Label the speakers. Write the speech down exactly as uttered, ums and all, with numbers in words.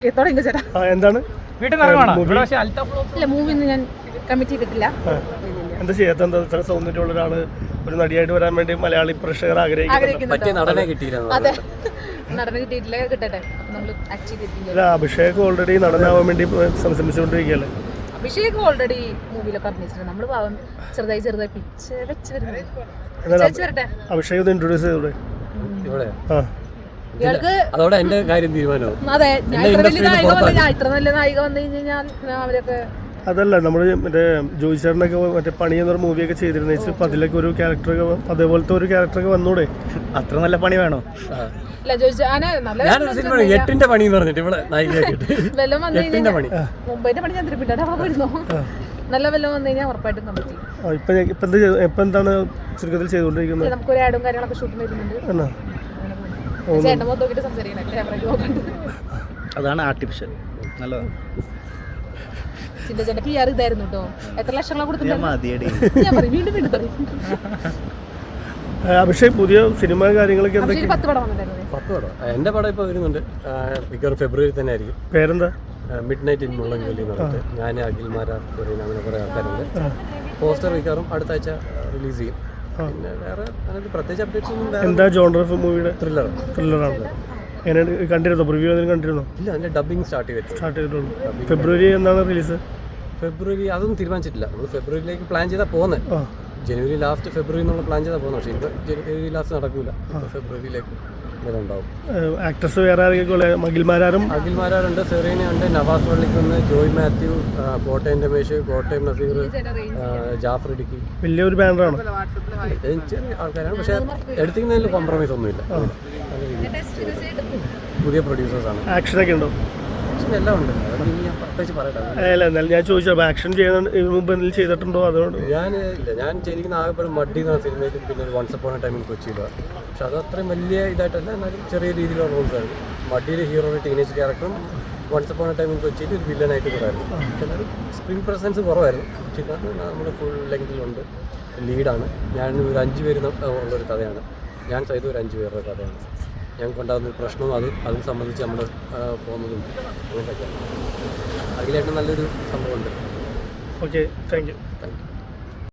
Speaker 1: എന്താണ്
Speaker 2: മൂവി ഞാൻ കമ്മിറ്റ് ചെയ്തിട്ടില്ല.
Speaker 1: എന്താ ചെയ്യാത്ത? എന്താ ഇത്ര സൗന്ദര്യമുള്ള ഒരാള് ഒരു നടിയായിട്ട് വരാൻ വേണ്ടി മലയാളി പ്രേക്ഷകർ ആഗ്രഹിക്കുന്നു.
Speaker 2: നടനെ കിട്ടിയിട്ടില്ല, കിട്ടട്ടെ.
Speaker 1: അല്ല, അഭിഷേക് ഓൾറെഡി നടനാവാൻ വേണ്ടി ശ്രമിച്ചുകൊണ്ടിരിക്കുകയല്ലേ?
Speaker 2: അഭിഷേക് ഓൾറെഡി മൂവിയിലൊക്കെ അഭിനയിച്ചിട്ടുണ്ട്. നമ്മള് പാവം ചെറുതായി ചെറുതായി പിച്ച് വെച്ച് വരുന്നത്.
Speaker 1: അഭിഷേക് ഒന്ന് ഇൻട്രൊഡ്യൂസ് ചെയ്തൂടെ?
Speaker 3: അതോടെ എന്റെ കാര്യം തീരുമാനവും.
Speaker 2: അതെ, ഞാൻ ഇത്ര വലിയ നായിക വന്നു ഞാൻ ഇത്ര നല്ല നായിക വന്നു കഴിഞ്ഞാൽ അവരൊക്കെ
Speaker 1: അതല്ല, നമ്മള് മറ്റേ ജോയി ചേട്ടനൊക്കെ മറ്റേ പണി എന്നൊരു മൂവിയൊക്കെ ചെയ്തിരുന്നു. അപ്പൊ അതിലൊക്കെ ഒരു ക്യാരക്ടറൊക്കെ അതേപോലത്തെ ഒരു ക്യാരക്ടറൊക്കെ വന്നൂടെ?
Speaker 3: അത്ര നല്ല പണി വേണോ?
Speaker 2: എട്ടിന്റെ
Speaker 3: പണി എന്ന് പറഞ്ഞിട്ട് ഇവിടെ
Speaker 2: വെല്ലം വന്നു കഴിഞ്ഞാൽ മുംബൈന്റെ പണി ഞാൻ തിരുപ്പിട്ടോ പോയിരുന്നു. നല്ല വെല്ലം വന്നു കഴിഞ്ഞാൽ ഉറപ്പായിട്ടും കമ്മിറ്റ് ചെയ്യും.
Speaker 1: ഇപ്പൊ എന്താണ് ചുരുക്കത്തിൽ ചെയ്തുകൊണ്ടിരിക്കുന്നത്?
Speaker 2: നമുക്കൊരു ആഡും കാര്യങ്ങളൊക്കെ ഷൂട്ടിംഗ് വരുന്നുണ്ട്. ചേട്ടൻ മൊത്തം നോക്കിട്ട് സംസാരിക്കണം, ക്യാമറയ്ക്ക് നോക്കണ്ട്.
Speaker 3: അതാണ് ആർട്ടിഫിഷ്യൽ. നല്ലതാണ്.
Speaker 2: ചിന്തച്ചേട്ടൻ പി ആർ ഇതായിരുന്നു കേട്ടോ. എത്ര ലക്ഷങ്ങളെ കൊടുത്തിട്ടുണ്ട് ഞാൻ പറയും, വീണ്ടും വീണ്ടും പറയും.
Speaker 1: അഭിഷേക് പുതിയ സിനിമ കാര്യങ്ങളൊക്കെ
Speaker 2: പത്ത് പടം വന്നിട്ടായിരുന്നു.
Speaker 3: പത്ത് പടം എന്റെ പടം ഇപ്പൊ വരുന്നുണ്ട്. മിക്കവാറും ഫെബ്രുവരി തന്നെ ആയിരിക്കും.
Speaker 1: പേരെന്താ?
Speaker 3: മിഡ് നൈറ്റ് ഇൻ മുള്ളൻകൊല്ലി എന്ന് പറഞ്ഞിട്ട് ഞാൻ അഖിൽമാരാ പറയുന്ന അങ്ങനെ കുറെ ആൾക്കാരുണ്ട്. പോസ്റ്റർ മിക്കവാറും അടുത്ത ആഴ്ച റിലീസ് ചെയ്യും. പിന്നെ വേറെ പ്രത്യേകിച്ച് അപ്ഡേറ്റ്സ് ഒന്നും.
Speaker 1: എന്താ ജോണർ ഓഫ് മൂവിയുടെ?
Speaker 3: ത്രില്ലർ.
Speaker 1: ത്രില്ലറാണ്. എങ്ങനെ കണ്ടിരുന്നോ? പ്രിവ്യൂ എന്തെങ്കിലും കണ്ടിരുന്നോ?
Speaker 3: ഇല്ല, അതിന്റെ ഡബിങ് സ്റ്റാർട്ട് ചെയ്തിട്ട്
Speaker 1: സ്റ്റാർട്ട് ചെയ്തിട്ടുള്ളൂ. ഫെബ്രുവരി എന്നാണ് റിലീസ്?
Speaker 3: ഫെബ്രുവരി അതൊന്നും തീരുമാനിച്ചിട്ടില്ല. നമ്മൾ ഫെബ്രുവരിയിലേക്ക് പ്ലാൻ ചെയ്താൽ പോകുന്നത്. ജനുവരി ലാസ്റ്റ് ഫെബ്രുവരി എന്നുള്ള പ്ലാൻ ചെയ്താൽ പോകുന്നത്. പക്ഷേ ഇപ്പോൾ ജനുവരി ലാസ്റ്റ് നടക്കൂല. ഫെബ്രുവരിയിലേക്ക് ഉണ്ടാവും.
Speaker 1: ആക്ടേഴ്സ് വേറെ ആരെങ്കിലും? അഖിൽമാരാരും
Speaker 3: അഖിൽമാരാരുണ്ട്, സെറീന ഉണ്ട്, നവാസ് വള്ളിക്കുന്ന്, ജോയ് മാത്യു, കോട്ടയം രമേശ്, കോട്ടയം നസീർ, ജാഫർ ഇടുക്കി.
Speaker 1: വലിയൊരു ബാനറാണ്.
Speaker 3: ചെറിയ ആൾക്കാരാണ്, പക്ഷേ എടുത്തിരിക്കുന്നതിൽ കോംപ്രമൈസ് ഒന്നുമില്ല. പുതിയ പ്രൊഡ്യൂസേഴ്സാണ്.
Speaker 1: ആക്ഷനൊക്കെ ഉണ്ടോ?
Speaker 3: എല്ലാം ഉണ്ട്. ഞാൻ പ്രത്യേകിച്ച് പറയട്ടെ.
Speaker 1: അല്ല, എന്നാലും ഞാൻ ചോദിച്ചത് ആക്ഷൻ ചെയ്യുന്ന മുമ്പ് എന്തെങ്കിലും ചെയ്തിട്ടുണ്ടോ? അതുകൊണ്ട്
Speaker 3: ഞാൻ ഇല്ല ഞാൻ ചെയ്തിരിക്കുന്ന ആകെ മഡി എന്ന സിനിമയിലും പിന്നെ once upon a time in കൊച്ചിയിലാണ്. പക്ഷെ അത് അത്രയും വലിയ ഇതായിട്ടല്ല, എന്നാലും ചെറിയ രീതിയിലുള്ള റോൾസാണ്. മഡിയിലെ ഹീറോയുടെ ടീനേജ് ക്യാരക്ടറും once upon a time in കൊച്ചിയിൽ ഒരു വില്ലനായിട്ട് കൂടായിരുന്നു. പക്ഷെ എന്നാലും സ്ക്രീൻ പ്രസൻസ് കുറവായിരുന്നു. പക്ഷേ നമ്മുടെ ഫുൾ ലെങ്തിലുണ്ട്. ലീഡാണ്. ഞാൻ ഒരു അഞ്ച് പേര് ഉള്ളൊരു കഥയാണ്. ഞാൻ സൈത് ഒരു അഞ്ച് പേരുടെ കഥയാണ്. ഞങ്ങൾക്ക് ഉണ്ടാകുന്ന പ്രശ്നവും അത് അതിനെ സംബന്ധിച്ച് നമ്മൾ പോകുന്നതും അങ്ങനെയൊക്കെയാണ്. അതിലായിട്ട് നല്ലൊരു സംഭവമുണ്ട്.
Speaker 1: Okay, thank you.
Speaker 3: Thank U.